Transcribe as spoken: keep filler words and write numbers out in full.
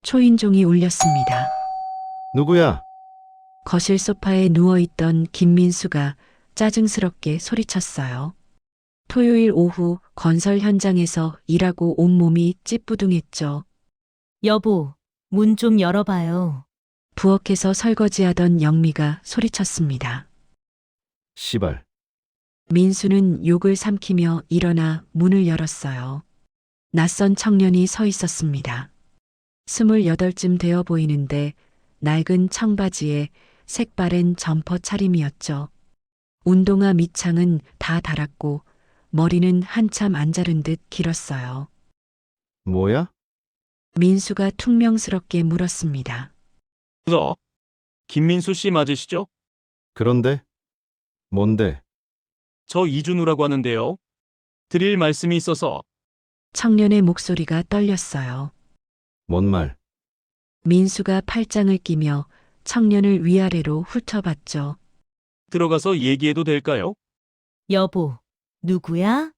초인종이 울렸습니다. 누구야? 거실 소파에 누워있던 김민수가 짜증스럽게 소리쳤어요. 토요일 오후 건설 현장에서 일하고 온몸이 찌뿌둥했죠. 여보, 문 좀 열어봐요. 부엌에서 설거지하던 영미가 소리쳤습니다. 시발. 민수는 욕을 삼키며 일어나 문을 열었어요. 낯선 청년이 서 있었습니다. 스물여덟쯤 되어 보이는데 낡은 청바지에 색바랜 점퍼 차림이었죠. 운동화 밑창은 다 닳았고 머리는 한참 안 자른 듯 길었어요. 뭐야? 민수가 퉁명스럽게 물었습니다. 저, 김민수 씨 맞으시죠? 그런데? 뭔데? 저 이준우라고 하는데요. 드릴 말씀이 있어서. 청년의 목소리가 떨렸어요. 뭔 말? 민수가 팔짱을 끼며 청년을 위아래로 훑어봤죠. 들어가서 얘기해도 될까요? 여보, 누구야?